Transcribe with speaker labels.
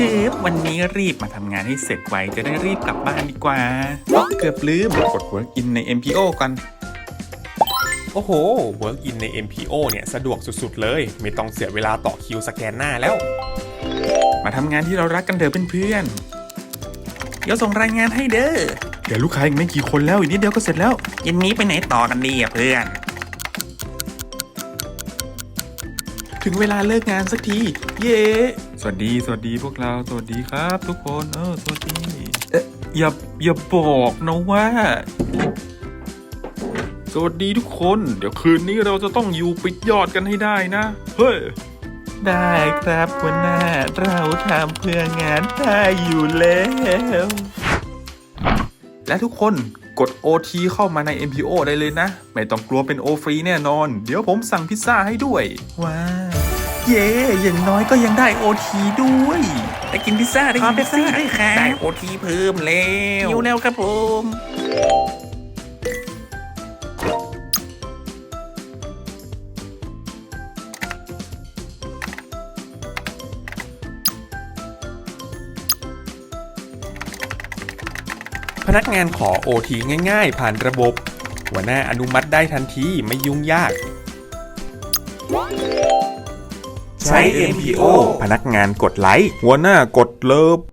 Speaker 1: วันนี้รีบมาทำงานให้เสร็จไวจะได้รีบกลับบ้านดีกว่าเกือบลืมกด Work in ใน MPO ก่อน
Speaker 2: โอ้โห Work in ใน MPO เนี่ยสะดวกสุดๆเลยไม่ต้องเสียเวลาต่อคิวสแกนหน้าแล้ว
Speaker 1: มาทำงานที่เรารักกันเถอะเพื่อนๆเดี๋ยวส่งรายงานให้เด้อเดี๋ยวลูกค้าอีกไม่กี่คนแล้วอีกนิดเดียวก็เสร็จแล้วเย็นนี้ไปไหนต่อกันดีเพื่อนถึงเวลาเลิกงานสักทีเย้สวัสดีพวกเราสวัสดีครับทุกคนสวัสดีอย่าบอกนะว่าสวัสดีทุกคนเดี๋ยวคืนนี้เราจะต้องอยู่ปิดยอดกันให้ได้นะเฮ้ยได้ครับหัวหน้าเราทำเพื่องานได้อยู่แล้วและทุกคนกด OT เข้ามาใน MPO ได้เลยนะไม่ต้องกลัวเป็น O ฟรีแน่นอนเดี๋ยวผมสั่งพิซซ่าให้ด้วยว้าเย่อย่างน้อยก็ยังได้ OT ด้วยได้กินพิซซ่าได้กินพิซซ่าด้วยครับได้ OT เพิ่มแล้วอยู่แล้วครับผม
Speaker 2: พนักงานขอ OT ง่ายๆผ่านระบบหัวหน้าอนุมัติได้ทันทีไม่ยุ่งยากใช้ MPO พนักงานกดไลค์หัวหน้ากดเลิฟ